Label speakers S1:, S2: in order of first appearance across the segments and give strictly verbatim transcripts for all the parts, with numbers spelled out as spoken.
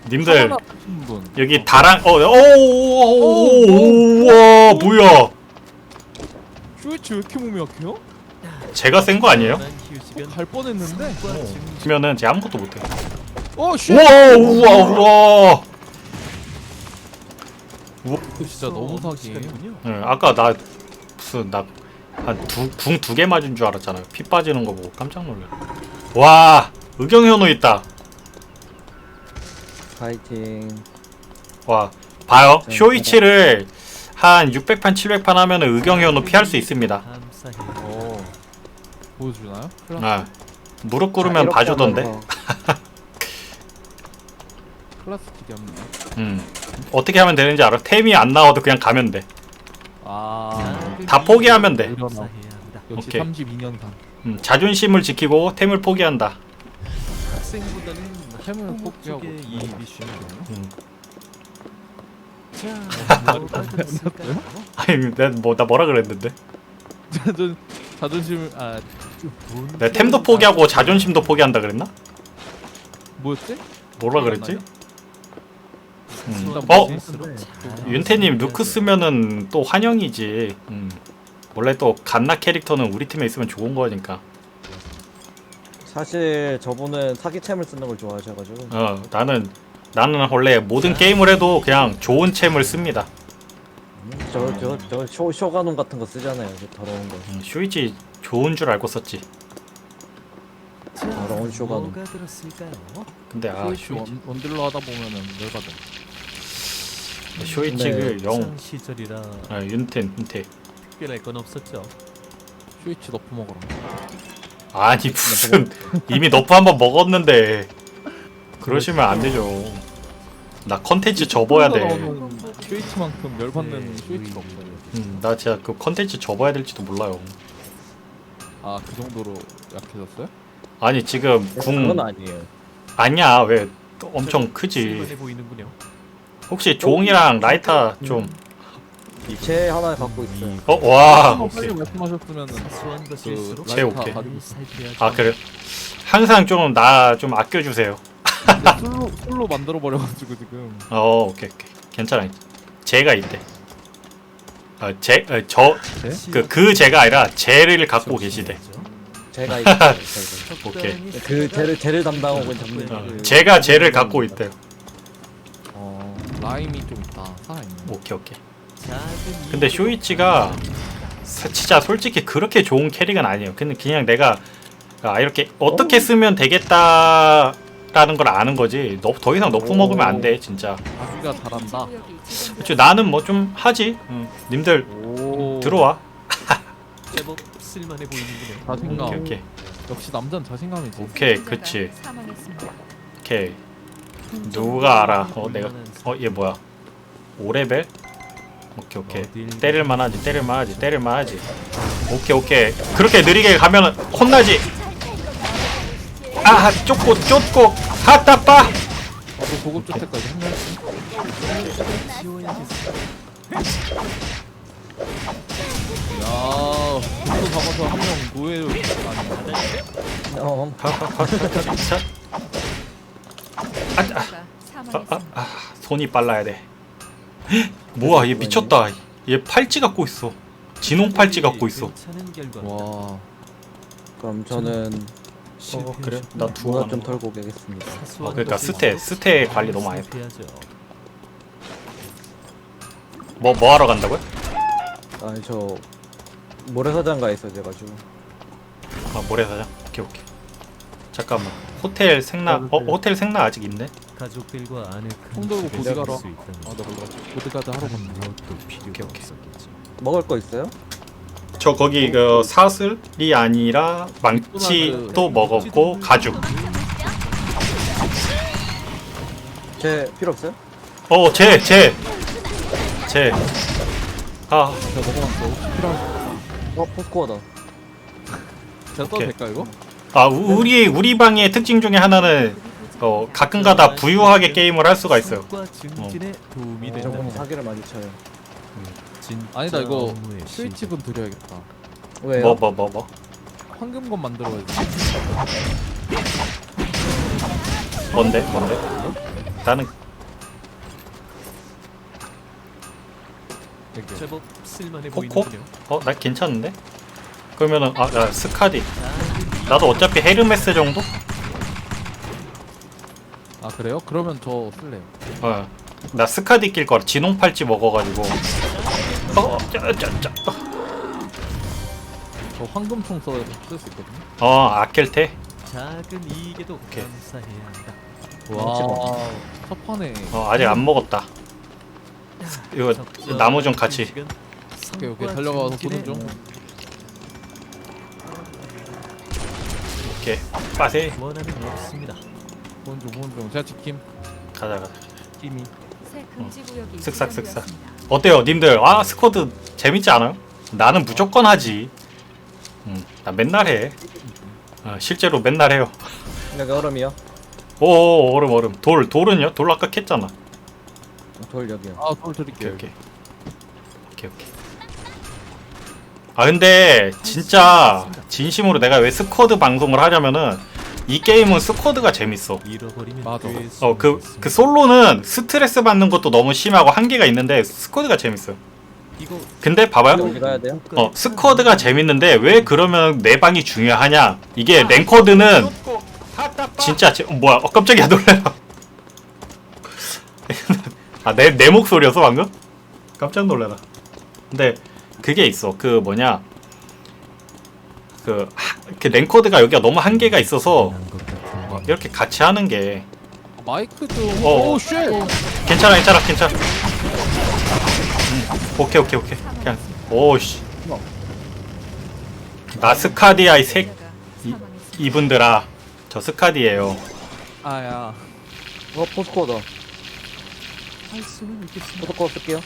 S1: 님들
S2: 분.
S1: 여기 다랑 어오오오오와 뭐야?
S2: 쇼이치 왜 이렇게 몸이 약해요?
S1: 제가 센 거 아니에요?
S2: 갈 뻔했는데.
S1: 그러면은 제가 아무것도 못해.
S2: 어 슈.
S1: 우와 우와 우와.
S2: 진짜 너무 사기예요.
S1: 응, 아까 나 무슨 나한궁 두 개 맞은 줄 알았잖아요. 피 빠지는 거 보고 깜짝 놀래. 와 의경현우 있다.
S3: 파이팅.
S1: 와 봐요. 쇼이치를 한 육백 판 칠백 판 하면은 의경현우 피할 수 있습니다.
S2: 어. 보여주나요?
S1: 아 무릎 꿇으면 봐주던데.
S2: 클라스 기대 없네.
S1: 음 어떻게 하면 되는지 알아? 템이 안 나와도 그냥 가면 돼.
S2: 아.
S1: 다 포기하면 돼.
S2: 일어나. 역시
S1: 오케이.
S2: 삼십이 년 단.
S1: 음, 자존심을 지키고 템을 포기한다.
S4: 학생보다는
S2: 템을
S4: 항목
S2: 포기하고.
S4: 쪽에 이입이 쉬운데요.
S1: 음.
S4: 자, 뭐가 됐을까요?
S1: 아니 내가 뭐나 뭐라 그랬는데?
S2: 자존 자존심 아
S1: 내가 템도 포기하고 자존심도 포기한다 그랬나?
S2: 뭐였지?
S1: 뭐라 그랬지? 음.
S2: 일단
S1: 어?
S2: 뭐지?
S1: 윤태님 루크 쓰면은 또 환영이지. 음. 원래 또 갓나 캐릭터는 우리 팀에 있으면 좋은 거니까.
S3: 사실 저분은 사기챔을 쓰는 걸 좋아하셔가지고.
S1: 어 나는 나는 원래 모든 게임을 해도 그냥 좋은 챔을 씁니다.
S3: 저저저 쇼가놈 같은 거 쓰잖아요. 저 더러운 거.
S1: 음, 쇼이치 좋은 줄 알고 썼지.
S3: 더러운 쇼가놈.
S4: 뭐가 들었을까요?
S1: 근데 아
S2: 쇼이치
S1: 쇼이치
S2: 원, 원딜러 하다 보면은 열받아.
S1: 쇼이치를
S3: 네.
S1: 영
S4: 상 시절이라
S1: 아, 윤텐 윤태
S4: 특별할 건 없었죠.
S2: 쇼이치 너프 먹어라.
S1: 아니 무슨 이미 너프 한번 먹었는데 그러시면 안 되죠. 나 컨텐츠 접어야 돼.
S2: 쇼이치만큼 열받는
S4: 네,
S2: 쇼이치가 없어요.
S1: 음, 나 진짜 그 컨텐츠 접어야 될지도 몰라요.
S2: 아 그 정도로 약해졌어요?
S1: 아니 지금 궁
S3: 그건 아니에요.
S1: 아니야 왜 엄청 크지.
S4: 쓸만해 보이는군요.
S1: 혹시 종이랑 라이터 좀
S3: 제 하나 갖고 있어요.
S1: 어? 와
S2: 한
S1: 오케이.
S2: 빨리 말씀하셨으면은
S4: 사소한 것일수록
S1: 제 오케이.
S4: 잘 살펴야죠.
S1: 아 그래 항상 좀 나 좀 아껴주세요.
S2: 근데 솔로 솔로 만들어 버려가지고 지금.
S1: 어 오케이 오케이 괜찮아. 제가 있대. 아제저그 그 제가 아니라 제를 갖고 계시대.
S3: 제가 있어요.
S1: 오케이.
S3: 그 쟤를 쟤를 담당하고 잡는.
S1: 어,
S3: 그-
S1: 제가 제를 갖고 있대요.
S2: 어 라임이 좀 있다. 살아있네.
S1: 오케이 오케이.
S4: 작은
S1: 근데
S4: 이유로
S1: 쇼이치가 사- 진짜 솔직히 그렇게 좋은 캐릭은 아니에요. 근데 그냥 내가 아 이렇게 어떻게 쓰면 되겠다라는 걸 아는 거지. 너, 더 이상 너프 먹으면 안 돼 진짜.
S2: 자기가 잘한다.
S1: 그치 나는 뭐 좀 하지. 응. 님들
S2: 오.
S1: 들어와.
S4: 제법 쓸만해 보이는군요.
S2: 자신감.
S1: 오케이 오케이
S2: 역시 남자는 자신감이지.
S1: 오케이 그치. 오케이 누가 알아? 어 내가 어 얘 뭐야? 오 레벨? 오케이 오케이 때릴만하지 때릴만하지 때릴만하지. 오케이 오케이 그렇게 느리게 가면 혼나지. 아 쫓고 쫓고 하따빠.
S2: 나도 고급 주택까지 한 명씩.
S4: 지워야겠어.
S2: 야, 또 잡아서 한 명 노예로 아니야.
S3: 어,
S1: 자. 아, 아, 아, 아, 아, 손이 빨라야 돼. 헉, 뭐야 얘 미쳤다. 얘 팔찌 갖고 있어. 진홍 팔찌 갖고 있어.
S4: 괜찮은 결과.
S2: 와,
S3: 그럼 저는
S1: 어 그래? 나 두고
S3: 누가
S1: 가는
S3: 좀
S1: 거.
S3: 털고 오겠습니다.
S1: 아, 그러니까 스테 스테 관리 너무 많이 했다. 뭐 뭐 하러 간다고요?
S3: 아니 저 모래사장가에 있어 제가지고.
S1: 아 모래사장. 오케이 오케이. 잠깐만. 호텔 생나. 어 호텔 생나 아직 있네.
S4: 가족들과 아늑한
S2: 총 들고
S4: 집에
S2: 보디가러.
S4: 살수 있다면
S2: 아, 나 몰라. 보드가드 하러 갔네.
S4: 무엇도 필요가
S1: 오케이, 오케이.
S4: 없었겠죠.
S3: 먹을 거 있어요?
S1: 저 거기 그 사슬이 아니라 망치도 먹었고 가죽.
S3: 제 필요 없어요?
S1: 어 제 제. 제. 아
S2: 제가 먹어봤어. 혹시 필요한
S3: 어 포스코어다.
S2: 제가 써도
S1: 오케이.
S2: 될까 이거?
S1: 아 우- 우리 우리 방의 특징 중에 하나는 어 가끔가다 부유하게 게임을 할 수가 있어요.
S4: 성과 증진에 도움이
S2: 어.
S3: 저분이
S4: 된다.
S3: 사기를 많이 쳐요.
S4: 진짜
S2: 아니다 이거
S4: 업무의
S2: 스위치분 드려야겠다.
S3: 왜요?
S1: 뭐 뭐 뭐 뭐.
S2: 황금건 만들어야지.
S1: 뭔데 뭔데? 나는
S2: 이렇게.
S4: 제법 쓸만해
S1: 코코?
S4: 보이는군요.
S1: 어, 나 괜찮은데? 그러면은 아, 나 스카디.
S4: 작은
S1: 나도 어차피 헤르메스 정도?
S2: 아 그래요? 그러면 저 쓸래요.
S1: 어. 나 스카디 낄 거라 진홍 팔찌 먹어가지고. 어, 짜, 짜, 짜.
S2: 저 황금총 써 쓸 수 있거든요.
S1: 어, 아켈테.
S4: 작은 이익에도
S1: 오케이.
S4: 감사해야 한다.
S2: 와. 첫 판에.
S1: 어, 아직 안 먹었다. 이거
S4: 적절한
S1: 나무 좀 같이.
S4: 휴식은
S2: 오케이 오케이
S4: 성과
S2: 달려가서
S4: 증진에
S2: 보는 중.
S1: 오케이. 빠세.
S4: 원한은 없습니다.
S2: 보는 중 보는 중. 제가 지킴.
S1: 가자, 가자.
S4: 이미
S5: 새 금지 구역이
S1: 쓱싹, 쓱싹.
S5: 지정되었습니다.
S1: 어때요, 님들? 아, 스쿼드 재밌지 않아요? 나는 무조건 하지. 음, 나 맨날 해. 어, 실제로 맨날 해요.
S3: 여기 얼음이요.
S1: 오, 얼음, 얼음. 돌, 돌은요? 돌 아까 캤잖아.
S3: 돌 여기요.
S2: 아돌
S1: 오케이,
S2: 드릴게요.
S1: 오케이. 오케이, 오케이. 아, 근데 진짜 진심으로 내가 왜 스쿼드 방송을 하냐면은 이 게임은 스쿼드가 재밌어.
S4: 잃어버리면
S2: 맞아.
S4: 되수
S1: 어, 그,
S4: 있습니다.
S1: 그 솔로는 스트레스 받는 것도 너무 심하고 한계가 있는데 스쿼드가 재밌어요.
S4: 이거
S1: 근데 봐봐요.
S3: 어디 가야 돼요?
S1: 어, 스쿼드가 재밌는데 왜 그러면 내 방이 중요하냐? 이게 랭커드는 진짜 제, 어, 뭐야? 어, 깜짝이야 놀래라. 아, 내, 내 목소리였어 방금? 깜짝 놀래라. 근데 그게 있어. 그 뭐냐? 그, 하, 그 랭커드가 여기가 너무 한계가 있어서
S4: 난 것 같은데.
S1: 이렇게 같이 하는 게
S2: 마이크 좀.
S1: 어.
S2: 오 쉣.
S1: 괜찮아, 괜찮아, 괜찮아. 음, 오케이, 오케이, 오케이. 그냥 오씨. 나 스카디야 이 색 이-
S5: 사망했습니다.
S1: 이분들아. 저 스카디예요.
S2: 아야.
S3: 어 포스코어다.
S4: 할 수는 있겠습니다.
S3: 포스코어 쓸게요.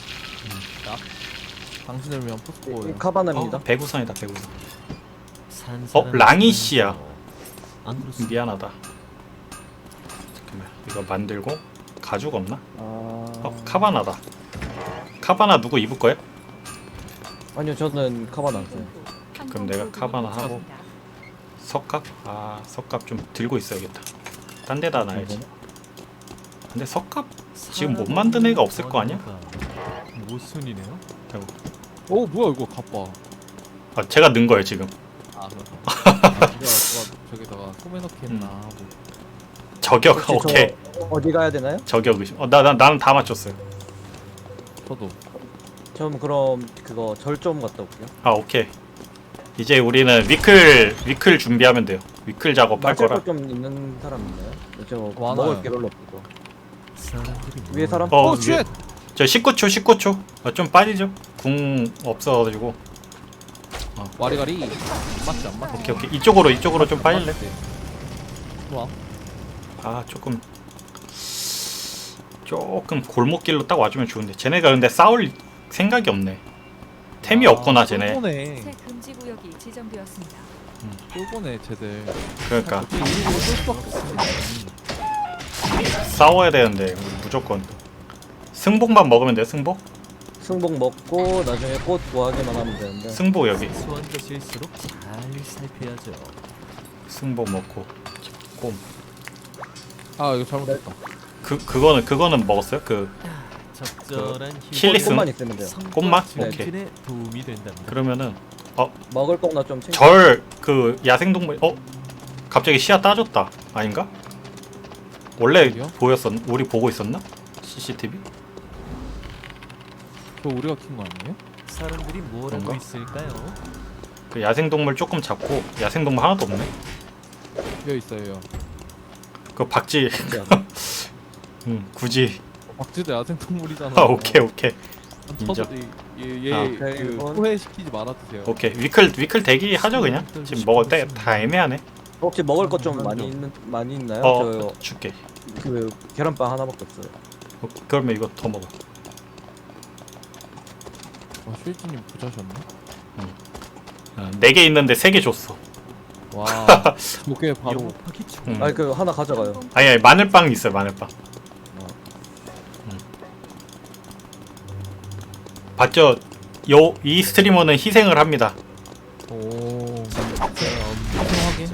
S2: 당신을 위한
S3: 이
S2: 포스코예요.
S3: 카바나입니다.
S1: 어, 배구선이다, 배구선.
S4: 산
S1: 어,
S4: 사람은
S1: 랑이 씨야.
S4: 안 그렇습니다.
S1: 미안하다. 잠깐만, 이거 만들고 가죽 없나?
S3: 아.
S1: 어, 카바나다. 카바나 누구 입을 거야?
S3: 아니요 저는 카바나 안 써요.
S1: 그럼 내가 카바나 하고. 석갑? 아, 석갑 좀 들고 있어야겠다. 딴 데다 놔야지. 근데 석갑 지금 못 만든 애가 없을 거 아니야?
S4: 모순이네요.
S1: 아이고.
S2: 오 뭐야 이거 가빠.
S1: 아, 제가 넣은 거예요 지금.
S2: 아 그렇다. 아, 누가 누가 저기다가 소매 넣기 했나
S1: 음.
S2: 하고.
S1: 저격.
S3: 혹시
S1: 오케이.
S3: 저 어디 가야 되나요?
S1: 저격 의심. 어, 나, 나 나는 다 맞췄어요.
S2: 저도.
S3: 전 그럼 그거 절 좀 갔다 올게요.
S1: 아, 오케이. 이제 우리는 위클 위클 준비하면 돼요. 위클 작업할
S3: 맞을
S1: 거라.
S3: 거좀 있는 사람 있나요? 저
S2: 많아요.
S3: 먹을 게 별로 없어.
S4: 사람들이
S3: 위에 사람?
S1: 어,
S2: 오
S1: 위에-
S2: 쉣.
S1: 저 십구 초, 십구 초. 아, 좀 빠지죠? 궁 없어가지고.
S2: 와리가리. 안 맞지 안 맞지.
S1: 오케이, 오케이. 이쪽으로, 이쪽으로 좀 빠질래?
S2: 좋아.
S1: 아, 조금. 조금 골목길로 딱 와주면 좋은데. 쟤네가 근데 싸울 생각이 없네. 템이
S2: 아,
S1: 없구나, 쟤네.
S2: 쫄보네.
S5: 새 금지 구역이 지정되었습니다.
S2: 쫄보네 쟤들.
S1: 그러니까.
S2: 어떻게 일부러 쫄 수밖에 없어.
S1: 싸워야 되는데, 우리 무조건. 승복만 먹으면 돼요, 승복?
S3: 승복 먹고 나중에 꽃 구하기만 하면 되는데.
S1: 승복 여기.
S4: 소한 것일수록 잘 살펴야죠.
S1: 승복 먹고. 꼼.
S2: 아 이거 잘못했다.
S1: 그, 그거는, 그거는 먹었어요? 그,
S4: 적절한
S1: 킬리스?
S3: 꽃만 있으면 돼요.
S1: 꽃만?
S4: 증진에 도움이 된답니다.
S1: 그러면은,
S3: 먹을 거나 좀 챙겨.
S1: 절, 그, 야생동물, 어? 갑자기 시야 따졌다. 아닌가? 원래
S2: 어디요?
S1: 보였었, 우리 보고 있었나? 씨씨티비?
S2: 그거 우리가 킨 거 아니에요?
S4: 사람들이 뭘 하고
S1: 그런가?
S4: 있을까요?
S1: 그 야생동물 조금 잡고, 야생동물 하나도 없네?
S2: 여기 있어요.
S1: 그 박쥐, 응, 굳이.
S2: 박쥐도 야생동물이잖아.
S1: 아, 오케이, 오케이. 인정.
S2: 얘얘
S1: 아.
S2: 그
S3: 이건-
S2: 소외시키지 말아주세요.
S1: 오케이. 위클, 위클 대기 하죠, 그냥? 지금 먹을 때 다 애매하네.
S3: 혹시 먹을 거 좀
S2: 음,
S3: 많이
S2: 좀.
S3: 있는 많이 있나요?
S1: 어, 줄게.
S3: 저 그 계란빵 하나밖에 없어요.
S1: 어, 그러면 이거 더 먹어.
S2: 와 슈이지님 부자셨네.
S1: 어, 네 개 있는데 세 개 줬어.
S2: 와 저게 바로
S4: 영업하기 좋
S1: 음.
S3: 아니 그 하나 가져가요.
S1: 아니, 아니, 마늘빵 있어요, 마늘빵. 음. 봤죠? 요, 이 스트리머는 희생을 합니다.
S2: 오
S4: 엄청하게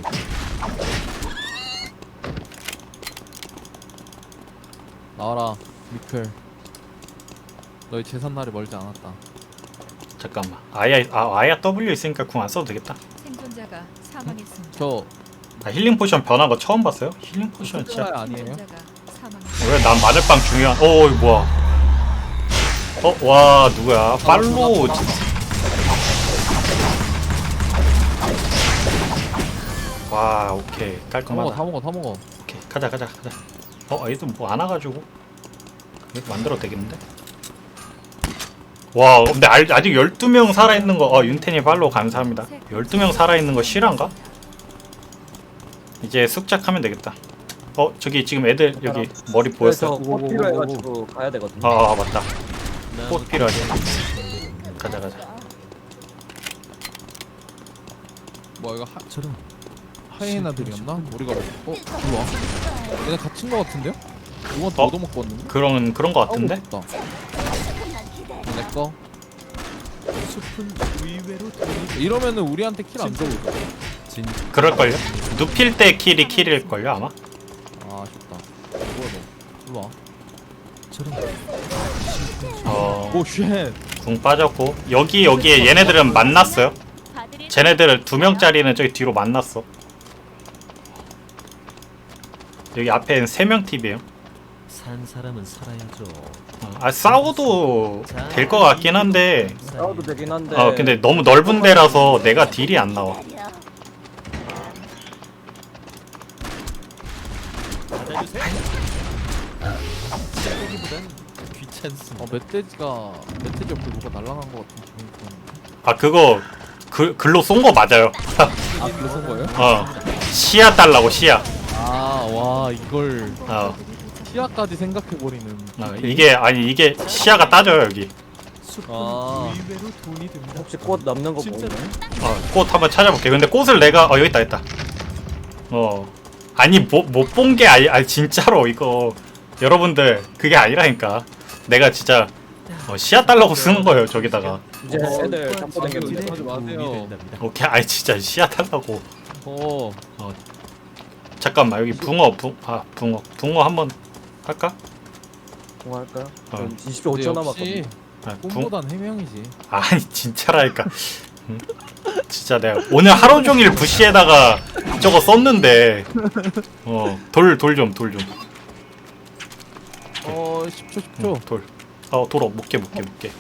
S2: 나와라 미클. 너희 재산 날이 멀지 않았다.
S1: 잠깐만. 아야 아 아야 W 있으니까 궁 안 써도 되겠다.
S5: 생존자가 사망했습니다.
S2: 저
S1: 나 힐링 포션 변한 거 처음 봤어요? 힐링 포션 진짜.
S2: 숫자 아니에요?
S5: 생존자가 사망했습니다.
S1: 왜 난 마늘빵 중요한? 어 이거 뭐야? 어 와 누구야? 팔로우. 와 오케이
S2: 다 먹어
S1: 깔끔하다.
S2: 다 먹어 다 먹어.
S1: 오케이 가자 가자 가자. 어 얘도 뭐 안 와가지고 이렇게 만들어도 되겠는데? 와 근데 알, 아직 열두 명 살아있는 거. 어 윤태님 팔로우 감사합니다. 열두 명 살아있는 거 실화인가? 이제 숙작하면 되겠다. 어 저기 지금 애들 여기 머리
S3: 그래서
S1: 보였어?
S3: 꽃 필요해가지고 가야 되거든요.
S1: 아, 아 맞다. 꽃 필요하지. 가자 가자.
S2: 뭐 이거 하,
S4: 저런
S2: 하이에나들이었나? 우리가 뭐- 어? 이리 와. 얘네 갇힌 거 같은데요? 누구한테
S1: 어?
S2: 얻어먹고 왔는데?
S1: 그런 그런 거 같은데?
S2: 다 내꺼.
S4: 숲은 의외로 돈이
S2: 이러면은 우리한테 킬 안 줘도 돼.
S4: 진
S1: 그럴걸요? 눕힐 때 킬이 킬일걸요 아마?
S2: 아 아쉽다. 뭐야 너? 이리 와.
S4: 저런
S1: 어...
S2: 오 쉣.
S1: 궁 빠졌고 여기 여기에 얘네들은 만났어요. 쟤네들 두 명짜리는 저기 뒤로 만났어. 여기 앞에는 세 명 팀이에요.
S4: 산 사람은 살아야죠.
S1: 어, 아 싸워도 될 것 같긴 한데
S3: 싸워도 되긴 한데.
S1: 어 근데 너무 넓은 데라서 내가 딜이 안 나와.
S4: 받아주세요. 시작하기보단 귀찮습니다.
S2: 어 멧돼지가 멧돼지 옆에 뭐가 날아간 거 같은 기분이 들었는데.
S1: 아 그거 그 글로 쏜 거 맞아요.
S2: 아 그래 쏜 거예요?
S1: 어 시야 달라고 시야.
S2: 아 와 이걸
S1: 어,
S2: 시야까지 생각해버리는.
S1: 어 이게 아니 이게 시야가 따져요 여기.
S4: 숲은
S2: 아.
S4: 의외로 돈이 됩니다.
S3: 혹시 꽃 남는 거
S4: 진짜?
S3: 보이나요?
S1: 어, 꽃 한번 찾아볼게. 근데 꽃을 내가 어 여기 있다 있다. 어 아니 못 못 본 게 아니 아니 진짜로 이거 여러분들 그게 아니라니까. 내가 진짜 어, 시야 달라고 쓰는 거예요 저기다가.
S3: 이제
S2: 어,
S3: 애들
S2: 어,
S3: 잡고
S2: 어,
S3: 다녔는데.
S2: 하지 마세요.
S4: 도움이 된답니다.
S1: 오케이 아니 진짜 시야 달라고.
S2: 어.
S1: 잠깐만 여기 붕어 붕아 붕어 붕어 한번 할까?
S3: 뭐 할까요?
S1: 어.
S3: 전 이십 초 오 초 남았거든요.
S1: 아, 붕
S2: 꿈보단 해명이지.
S1: 아니 진짜라니까. 응? 진짜 내가 오늘 하루 종일 부시에다가 저거 썼는데 어돌 돌 좀 돌 좀.
S2: 어 십 초 십 초.
S1: 응, 돌. 어돌 못게 못게 못게.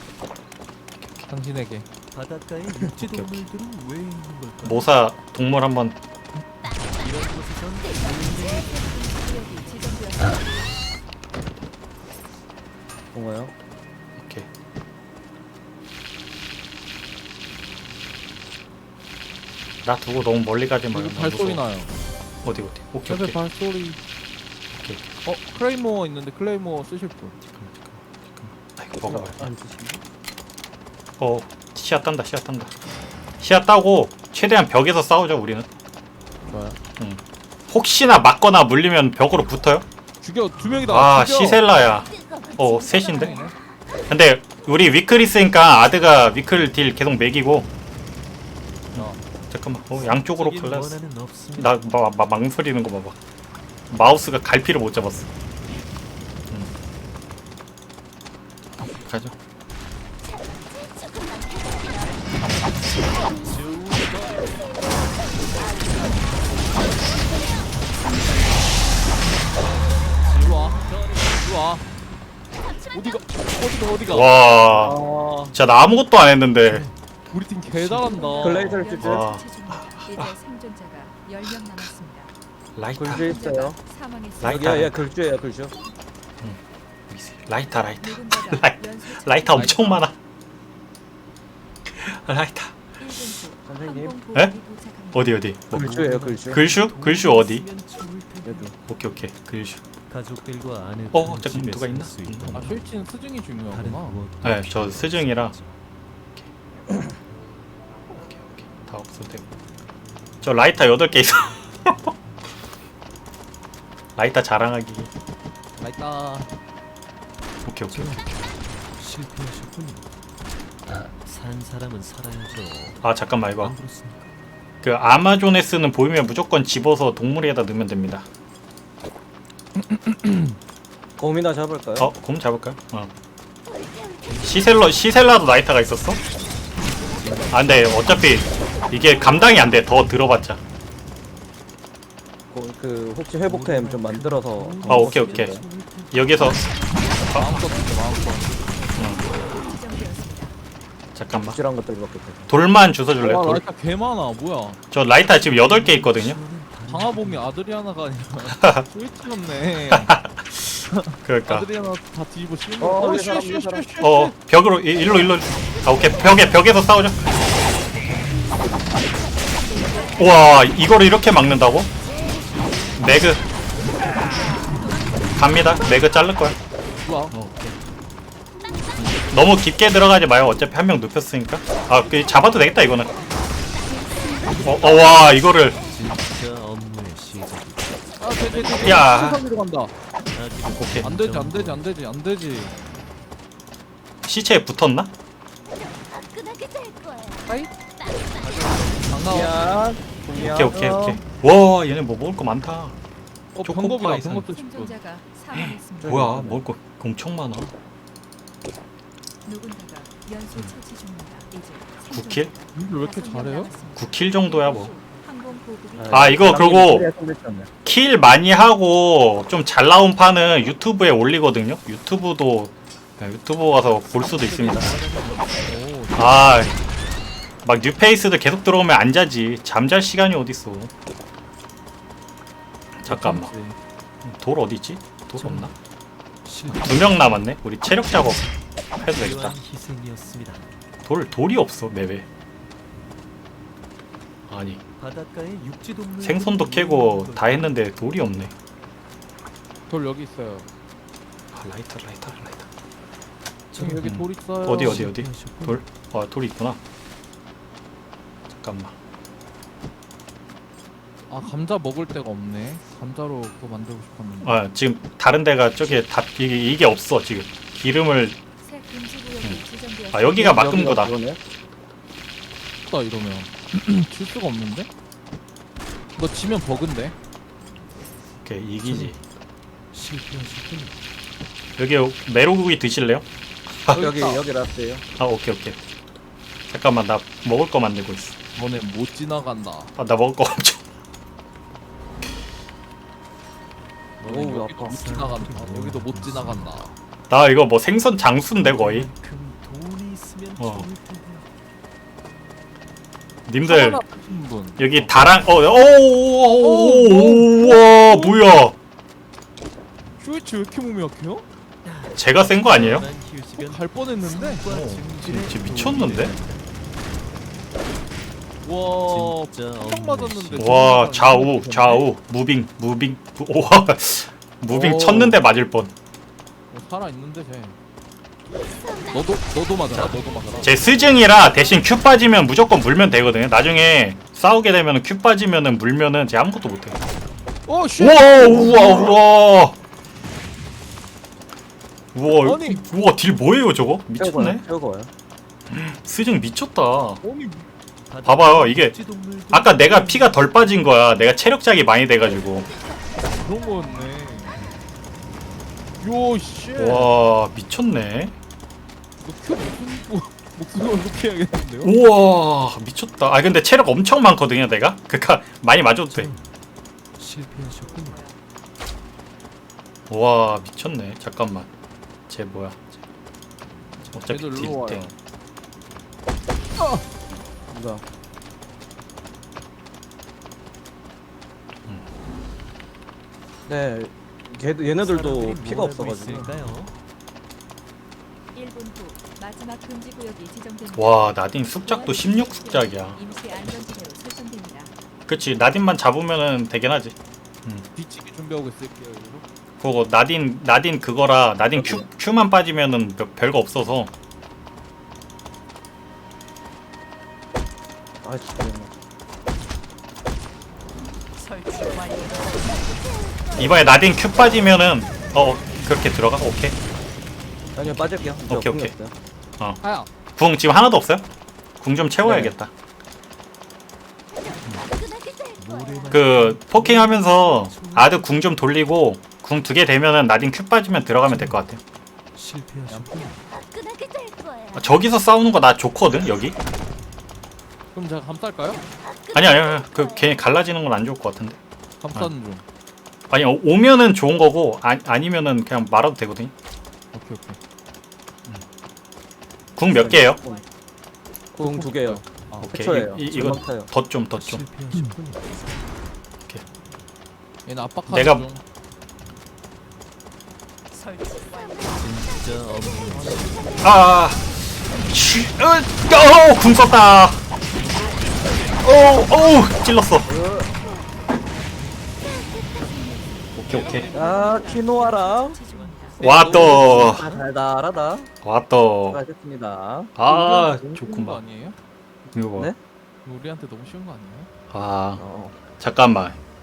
S2: 당신에게.
S4: 바닷가에 육지
S1: 오케이, 오케이.
S4: 동물들은 왜 있는 걸까?
S1: 모사 동물 한번.
S4: 이런 곳에선
S5: 구역이 지정되었습니다.
S3: 뭔가요?
S1: 오케이. 나 두고 너무 멀리 가지 마.
S2: 여기 발소리 나요.
S1: 어디 어디. 오케이
S2: 옆에
S1: 오케이.
S2: 발소리.
S1: 오케이.
S2: 어 클레이모어 있는데 클레이모어 쓰실 분.
S1: 아이고 먹어봐.
S3: 안 드시네.
S1: 어 시야 딴다 시야 딴다. 시야 따고 최대한 벽에서 싸우죠 우리는.
S2: 좋아요.
S1: 혹시나 맞거나 물리면 벽으로 붙어요?
S2: 죽여 두 명이다.
S1: 아
S2: 죽여.
S1: 시셀라야. 어 셋인데. 근데 우리 위클 있으니까 아드가 위클 딜 계속 매기고.
S2: 어.
S1: 잠깐만. 어 양쪽으로
S4: 적인
S1: 클래스.
S4: 원한은 없습니다.
S1: 나 마, 마, 망설이는 거 봐봐. 마우스가 갈피를 못 잡았어. 음. 가죠.
S2: 이리 와. 이리 와. 어디가 어디가 어디가.
S1: 와,
S3: 아,
S1: 진짜 나 아무것도 안 했는데.
S2: 우리 팀 개잘한다.
S3: 글레이저를 찌지.
S1: 와.
S5: 이제 생존자가 열 명 남았습니다.
S1: 라이터,
S3: 글주 있어요.
S5: 사망했습니다.
S1: 라이터.
S3: 여기야, 얘 글주예요, 글주.
S1: 라이터, 라이터,
S5: 누군가가
S1: 라이-
S5: 연쇄
S1: 라이터 엄청 많아. 라이터.
S5: 일 분 후
S3: 선생님.
S5: 항공
S1: 에?
S5: 보급이 도착합니다.
S1: 어디 어디? 뭐,
S3: 글주예요, 글주.
S1: 글슈? 글슈 어디?
S4: 있으면 좋을 텐데.
S3: 여기.
S1: 오케이 오케이. 글슈.
S4: 가족들과 아내
S1: 어, 잠깐 누가 있나?
S4: 수 있는
S2: 아 실치는 스증이
S4: 다른
S2: 중요하구나.
S4: 무엇
S1: 네, 저 스증이라. 오케이 오케이. 다 없어도 되고. 저 라이터 여덟 개 있어. 라이터 자랑하기.
S2: 라이따.
S1: 오케이 오케이. 오케이.
S4: 실패하셨군요. 산 사람은 살아야죠.
S1: 아 잠깐만 이거.
S4: 안 그렇습니까?
S1: 그 아마존에스는 보이면 무조건 집어서 동물에다 넣으면 됩니다.
S3: 곰이나 잡을까요?
S1: 어, 곰 잡을까요? 어. 시셀러 시셀라도 나이타가 있었어? 아 근데 어차피 이게 감당이 안 돼. 더 들어봤자.
S3: 그, 그 혹시 회복템 좀 만들어서.
S1: 아 오케이 오케이. 여기서
S2: 마음껏 진짜 마음껏.
S5: 지정되었습니다.
S1: 잠깐만.
S3: 확실한 것들 밖에 없어.
S1: 돌만 주워줄래?
S2: 와
S1: 돌.
S2: 라이터 개 많아. 뭐야?
S1: 저 라이타 지금 여덟 개 있거든요.
S2: 방아봉이 아드리아나가 아니라 스위치였네.
S1: 그러니까.
S2: 아드리아나 다 뒤집어 씌운
S3: 어,
S2: 거.
S3: 이 사람, 이 사람.
S1: 어 벽으로 이- 일로 일로. 아 오케이 벽에 벽에서 싸우자. 우와 이거를 이렇게 막는다고? 매그 갑니다. 매그 자를 거야.
S2: 좋아.
S1: 너무 깊게 들어가지 마요. 어차피 한 명 눕혔으니까. 아, 그 잡아도 되겠다 이거는. 어, 어, 와 이거를.
S4: 진짜 업무의 시작이
S2: 아, 돼돼돼.
S1: 야.
S2: 수상으로 간다.
S4: 아직
S1: 오케이.
S2: 안 되지 안 되지 안 되지 안 되지.
S1: 시체에 붙었나?
S2: 반가워.
S3: 미안. 미안.
S1: 오케이 오케이 오케이. 와 얘네 뭐 먹을 거 많다.
S2: 어
S1: 초코파이
S2: 병겁이다.
S1: 산.
S2: 병겁도 싶고.
S5: 생존자가 사망했습니다.
S1: 뭐야 먹을 거 엄청 많아.
S5: 누군가가 연쇄 처치 중입니다. 이제
S1: 구 킬?
S2: 이걸 왜 이렇게 잘해요?
S1: 구 킬 정도야 뭐.
S5: 항공 보급이
S1: 아, 이거 그리고-
S3: 네.
S1: 킬 많이 하고 좀 잘 나온 판은 유튜브에 올리거든요. 유튜브도 네, 유튜브 가서 볼 수도 있습니다.
S2: 오.
S1: 아, 막 뉴페이스도 계속 들어오면 안 자지. 잠잘 시간이 어딨어. 잠깐만. 돌 어디 있지? 돌 없나? 두 명 남았네. 우리 체력 작업 해도 되겠다.
S4: 필요한 희생이었습니다.
S1: 돌 돌이 없어 맵에. 아니
S4: 바닷가의 육지 동물
S1: 생선도 캐고 다 했는데 돌이 없네.
S2: 돌 여기 있어요.
S1: 아, 라이터 라이터 라이터.
S2: 저기 여기
S1: 음.
S2: 돌 있어요.
S1: 어디 어디 어디? 돌? 아 돌이 있구나. 잠깐만.
S2: 아 감자 먹을 데가 없네. 감자로 그거 만들고 싶었는데.
S1: 아 지금 다른 데가 저기 다 이게 이게 없어 지금. 기름을
S5: 새 금지 구역이 지정되었습니다.
S1: 아 여기가 막은 거다.
S2: 다 이러면 질 수가 없는데? 너 지면 버그인데?
S1: 오케이 이기지.
S4: 실패하셨군요.
S1: 여기 메로구이 드실래요?
S3: 여기 여기 라스예요.
S1: 아 오케이 오케이. 잠깐만 나 먹을 거 만들고 있어.
S2: 너네 못 지나간다.
S1: 아 나 먹을 거 엄청.
S3: 오우
S2: 여기도
S3: 아파.
S2: 못 지나간다. 여기도 못 지나간다.
S1: 나 이거 뭐 생선 장수인데 거의.
S4: 큰 돈이 있으면
S1: 어.
S4: 좋을 텐데.
S1: 님들
S2: 하나 하신 분.
S1: 여기 다랑 어오오오오와 뭐야?
S2: 슈이치 왜 이렇게 몸이 약해요?
S1: 제가 센 거 아니에요?
S4: 난 휴식은
S2: 갈 뻔했는데.
S4: 삶과
S1: 어,
S4: 증진에
S1: 진짜 미쳤는데?
S2: 와,
S4: 진짜
S2: 딱
S4: 업무의
S2: 맞았는데.
S1: 와 좌우 좌우 무빙 무빙 무- 우와 무빙
S2: 오.
S1: 쳤는데 맞을 뻔.
S2: 어, 살아 있는데 쟤. 너도 너도 맞아라. 너도 맞아라.
S1: 제 스징이라 대신 큐 빠지면 무조건 물면 되거든요. 나중에 싸우게 되면 큐 빠지면은 물면은 제 아무것도 못해.
S2: 어 쉣.
S1: 우와 우와 우와 우와
S2: 아니.
S1: 우와 딜 뭐예요 저거? 미쳤네.
S3: 태우고 와요.
S1: 스징 미쳤다.
S2: 아니
S4: 바닷가
S1: 봐봐요, 이게
S4: 육지 동물도
S1: 아까 내가 피가 덜 빠진 거야. 내가 체력작이 많이 돼가지고.
S2: 그런 거였네. 요 쉣.
S1: 와 미쳤네.
S2: 너큐 무슨 뭐 목소리가 이렇게 해야겠는데요?
S1: 우와 미쳤다. 아 근데 체력 엄청 많거든요 내가. 그니까 많이 맞아도 돼.
S4: 실패하셨군요.
S1: 와 미쳤네. 잠깐만. 쟤 뭐야? 어차피
S2: 얘들 일로 와요.
S1: 딜
S3: 뭐야? 네, 걔 얘네들도
S4: 사람들이
S3: 피가
S4: 뭘 알고
S3: 없어가지고.
S4: 있을까요?
S5: 일 분 후 마지막 금지 구역이 지정됩니다.
S1: 와 나딘 숙작도 십육 숙작이야.
S5: 임시 안전지대로 설정됩니다.
S1: 그치 나딘만 잡으면은 되긴 하지.
S2: 뒤치기 준비하고 있을게요. 이거.
S1: 그거 나딘 나딘 그거라 나딘 큐 큐만 빠지면은 몇- 별거 없어서.
S3: 아 진짜.
S5: 설치 완료.
S1: 이번에 나딘 큐 빠지면은 어 그렇게 들어가? 오케이.
S3: 아니요 빠질게요. 이제
S1: 오케이,
S3: 없는
S1: 오케이.
S3: 게 없어요.
S2: 하야.
S1: 궁 지금 하나도 없어요? 궁 좀 채워야겠다.
S4: 모래만
S1: 그 포킹하면서 아드 궁 좀 돌리고 궁 두 개 되면은 나딘 큐 빠지면 들어가면 될 것 같아요.
S4: 실패하셨군요.
S1: 아, 저기서 싸우는 거 나 좋거든 여기.
S2: 그럼 제가 감쌀까요?
S1: 아니 아니 아니 그걔 갈라지는 건 안 좋을 것 같은데.
S2: 감싸는 중.
S1: 아니 어, 오면은 좋은 거고 아, 아니면은 그냥 말아도 되거든.
S2: 오케이 오케이.
S1: 궁 몇 개예요?
S3: 궁 두 개요.
S2: 아,
S1: 오케이
S3: 해초예요.
S1: 이, 이, 이거
S3: 금방 타요.
S1: 덧 좀 덧 좀.
S4: 실패하셨군요.
S2: 얘는 압박하는
S1: 내가-
S2: 중.
S4: 진짜 없는
S1: 아, 치, 어, 어, 궁 썼다. 오, 오, 찔렀어. 오케이 오케이.
S3: 아 키노아랑
S1: 와 또,
S3: 아, 달달하다.
S1: 와 또.
S3: 수고하셨습니다.
S1: 아,
S2: 우리한테 너무 쉬운 거
S1: 좋구만.
S2: 아니에요?
S1: 이거 봐.
S3: 네?
S2: 우리한테 너무 쉬운 거 아니에요?
S1: 아,
S3: 어.
S1: 잠깐만.